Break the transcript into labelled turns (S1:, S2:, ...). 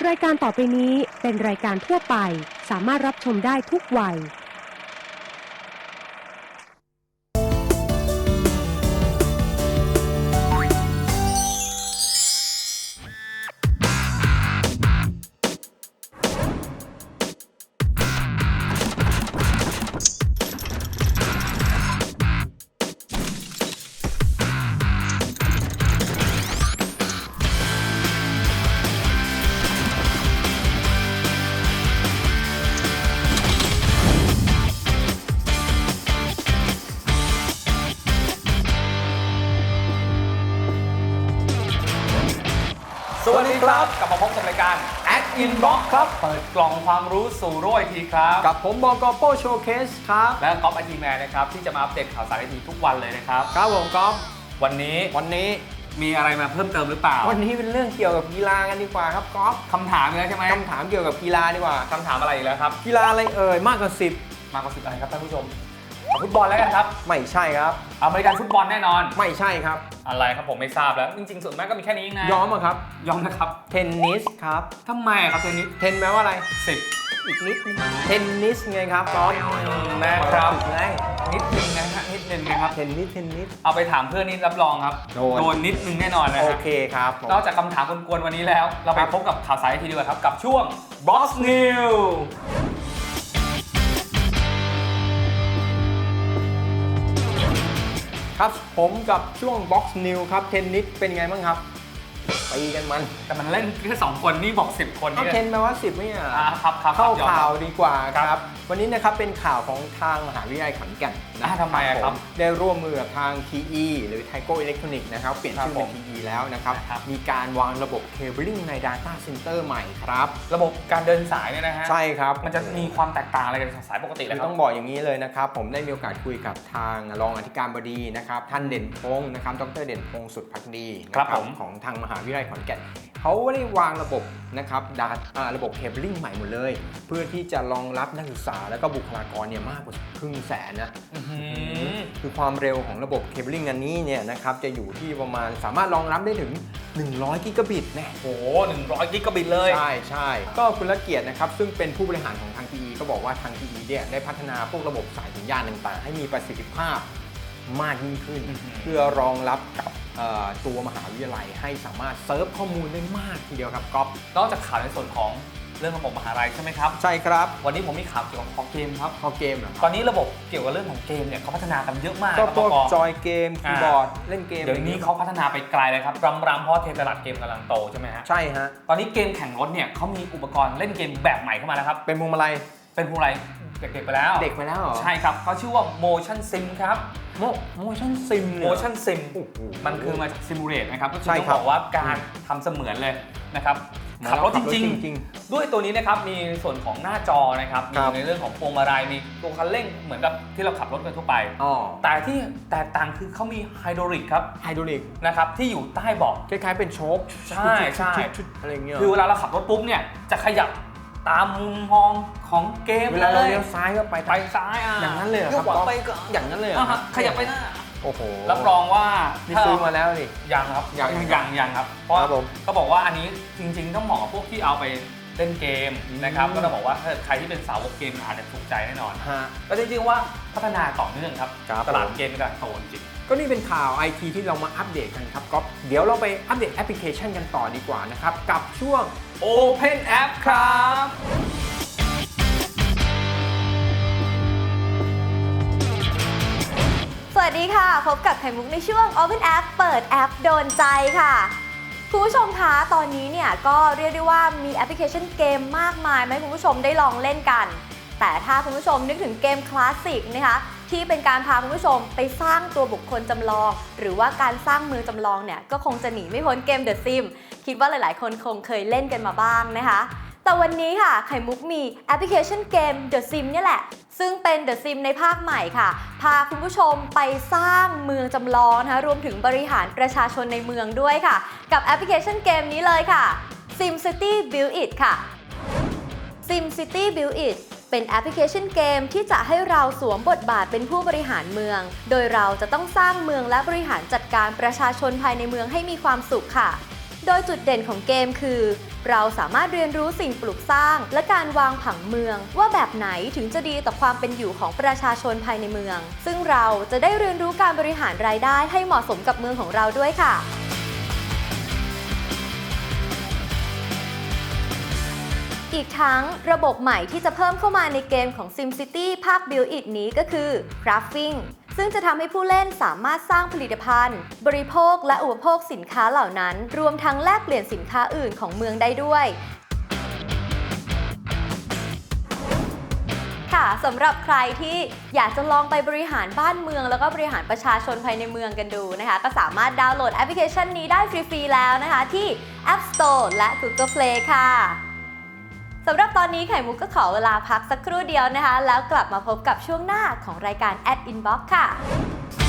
S1: รายการต่อไปนี้เป็นรายการทั่วไปสามารถรับชมได้ทุกวัย
S2: สวัสดีครับกลับมาพบกับรายการ Act Inbox ครับเปิดกล่องความรู้สู่โลกไอทีครับ
S3: กับผมบกโป้โชว์เคสครับ
S2: และก๊อฟไอทีแมนนะครับที่จะมาอัปเดตข่าวสารไอทีทุกวันเลยนะครับ
S3: ครับผมก๊อฟ
S2: วันนี้มีอะไรมาเพิ่มเติมหรือเปล่า
S3: วันนี้เป็นเรื่องเกี่ยวกับกีฬากันดีกว่าครับก๊อฟ
S2: คำถามอีกแล้วใช่ไหม
S3: คำถามเกี่ยวกับกีฬาดีกว่า
S2: คำถามอะไรอีกแล้วครับ
S3: กีฬาอะไรเอ่ยมากกว่า
S2: มากกว่า10อะไรครับท่านผู้ชมฟุตบอลแล้วกันครับ
S3: ไม่ใช่ครับ
S2: อเมริกันฟุตบอลแน่นอน
S3: ไม่ใช่ครับ
S2: อะไรครับผมไม่ทราบแล้วจริงๆส่วนมากก็มีแค่นี้เองนะ
S3: ยอมครับ
S2: ยอมนะครับ
S3: เทนนิสครับ
S2: ทำไมครับเทนนิส
S3: เทนแปลว่าอะไร
S2: 10
S3: อีกนิดนึงเทนนิสไงครับก๊อฟ
S2: นะครับ
S3: ไง
S2: นิดนึงนะฮะนิดนึงนะครับ
S3: เทนนิส
S2: เอาไปถามเพื่อนนี่รับรองครับโดนนิดนึงแน่นอนนะ
S3: โอเคครับ
S2: นอกจากคำถามกวนๆวันนี้แล้วเราไปพบกับข่าวสารทีดีกว่าครับกับช่วง Box News
S3: ครับผมกับช่วง Box News ครับเทนนิสเป็นไงบ้างครับตีกันมัน
S2: แต่มันเล่นแค่2คนนี่บอก10คน
S3: นี่เทนแปลว่า10ไม่
S2: ครับ
S3: เข้าข่าวดีกว่าครับวันนี้นะครับเป็นข่าวของทางมหาวิทยาลัยขอนแก่น
S2: ทำไมครับ
S3: ได้ร่วมมือกับทาง TE หรือ Taigo Electronics นะครับเปลี่ยนชื่อเป็น TE แล้วนะครับมีการวางระบบเคเบิลใน Data Center ใหม่ครับ
S2: ระบบการเดินสายเนี่ยนะฮะ
S3: ใช่ครับ
S2: มันจะมีความแตกต่างอะไรกันจากสายปกติเลยครับ
S3: ต้องบอกอย่างนี้เลยนะครับผมได้มีโอกาสคุยกับทางรองอธิการบดีนะครับท่านเด่นพงศ์นะครับดร.เด่นพงศ์สุดภักดี
S2: นะครับ
S3: ของทางมหาวิทยาลัยขอนแก่นเขาได้วางระบบนะครับระบบเคเบิลใหม่หมดเลยเพื่อที่จะรองรับนักศึกษาและก็บุคลากรเนี่ยมากกว่า500,000นะคือความเร็วของระบบเคเบิลอันนี้เนี่ยนะครับจะอยู่ที่ประมาณสามารถรองรับได้ถึง100กิกะบิตนะ
S2: โอ้โห100กิกะบิตเลย
S3: ใช่ก็คุณละเกียรตินะครับซึ่งเป็นผู้บริหารของทาง TE ก็บอกว่าทาง TE เนี่ยได้พัฒนาพวกระบบสายสัญญาณต่างๆให้มีประสิทธิภาพมากยิ่งขึ้นเพื่อรองรับกับตัวมหาวิทยาลัยให้สามารถเซิร์ฟข้อมูลได้มากทีเดียวครับก๊อฟ
S2: นอกจากข่าวในส่วนของเรื่องระบบมหาลัยใช่ไหมครับ
S3: ใช่ครับ
S2: วันนี้ผมมีข่าวเกี่ยวกับคอเกมครับ
S3: คอเกมเหรอ
S2: ตอนนี้ระบบเกี่ยวกับเรื่องของเกมเนี่ยเขาพัฒนากันเยอะมาก
S3: ก็พวกจอยเกมคีย์บอร์ดเล่นเกม
S2: เดี๋ยวนี้เขาพัฒนาไปไกลเลยครับรำเพราะเทรนด์ตลาดเกมกำลังโตใช่ไหมฮะ
S3: ใช่ฮะ
S2: ตอนนี้เกมแข่งรถเนี่ยเขามีอุปกรณ์เล่นเกมแบบใหม่เข้ามาแล้วครับ
S3: เป็นพวงมาลัย
S2: เด็กๆไปแล้ว
S3: เด็กไปแล้วเหรอ
S2: ใช่ครับเขาชื่อว่า Motion Sim ครับ
S3: Motion Sim
S2: Motion Sim มันคือมาจาก Simulate นะครับก็คือต้องบอกว่าการทำเสมือนเลยนะครับขับรถจริงๆด้วยตัวนี้นะครับมีส่วนของหน้าจอนะครับมีในเรื่องของพวงมาลัยมีตัวคันเร่งเหมือนกับที่เราขับรถกันทั่วไปแต่ที่แตกต่างคือเขามีไฮดรอลิกครับ
S3: ไฮดรอลิก
S2: นะครับที่อยู่ใต้เบาะ
S3: คล้ายๆเป็นโชค
S2: ใช่
S3: อะไรเงี้ย
S2: คือเวลาเราขับรถปุ๊บเนี่ยจะขยับตามมุมมองของเกม
S3: เวลาเราเลี้ยวซ้ายก็ไป
S2: ซ้าย
S3: อย่างนั้นเลยครับ
S2: ไป
S3: อย่างนั้นเลย
S2: ขยับไปหน้า
S3: โอ้โห
S2: รับรองว่า
S3: นี่ซื้อมาแล้วนี่
S2: ยังครับยังครับเพราะก็บอกว่าอันนี้จริงๆต้องเหมาะกับพวกที่เอาไปเล่นเกมนะครับก็ต้องบอกว่าถ้าใครที่เป็นสาวกเกมอาจจะถูกใจแน่นอนก็จริงๆว่าพัฒนาต่อเนื่องครับตลาดเกมกำลังโตจริง
S3: ก็นี่เป็นข่าว IT ที่เรามาอัปเดตกันครับก๊อฟเดี๋ยวเราไปอัปเดตแอปพลิเคชันกันต่อดีกว่านะครับกับช่วง
S2: Open App ครับ
S4: สวัสดีค่ะพบกับไข่มุกในช่วง Open App เปิดแอปโดนใจค่ะคุณผู้ชมคะตอนนี้เนี่ยก็เรียกได้ว่ามีแอปพลิเคชันเกมมากมายให้คุณผู้ชมได้ลองเล่นกันแต่ถ้าคุณผู้ชมนึกถึงเกมคลาสสิกนะคะที่เป็นการพาคุณผู้ชมไปสร้างตัวบุคคลจำลองหรือว่าการสร้างเมืองจำลองเนี่ยก็คงจะหนีไม่พ้นเกม The Sims คิดว่าหลายๆคนคงเคยเล่นกันมาบ้างนะคะแต่วันนี้ค่ะไข่มุกมีแอปพลิเคชันเกม The Sims เนี่ยแหละซึ่งเป็น The Sims ในภาคใหม่ค่ะพาคุณผู้ชมไปสร้างเมืองจำลองนะคะรวมถึงบริหารประชาชนในเมืองด้วยค่ะกับแอปพลิเคชันเกมนี้เลยค่ะ SimCity Build It ค่ะ SimCity Build It เป็นแอปพลิเคชันเกมที่จะให้เราสวมบทบาทเป็นผู้บริหารเมืองโดยเราจะต้องสร้างเมืองและบริหารจัดการประชาชนภายในเมืองให้มีความสุขค่ะโดยจุดเด่นของเกมคือ เราสามารถเรียนรู้สิ่งปลูกสร้างและการวางผังเมือง ว่าแบบไหนถึงจะดีต่อความเป็นอยู่ของประชาชนภายในเมือง ซึ่งเราจะได้เรียนรู้การบริหารรายได้ให้เหมาะสมกับเมืองของเราด้วยค่ะอีกทั้งระบบใหม่ที่จะเพิ่มเข้ามาในเกมของ SimCity ภาค Build It นี้ก็คือ Crafting ซึ่งจะทำให้ผู้เล่นสามารถสร้างผลิตภัณฑ์ บริโภคและอุปโภคสินค้าเหล่านั้น รวมทั้งแลกเปลี่ยนสินค้าอื่นของเมืองได้ด้วย ค่ะสำหรับใครที่อยากจะลองไปบริหารบ้านเมืองแล้วก็บริหารประชาชนภายในเมืองกันดูนะคะก็สามารถดาวน์โหลดแอปพลิเคชันนี้ได้ฟรีๆแล้วนะคะที่ App Store และ Google Play ค่ะสำหรับตอนนี้ไข่มุกก็ขอเวลาพักสักครู่เดียวนะคะแล้วกลับมาพบกับช่วงหน้าของรายการ Ad Inbox ค่ะ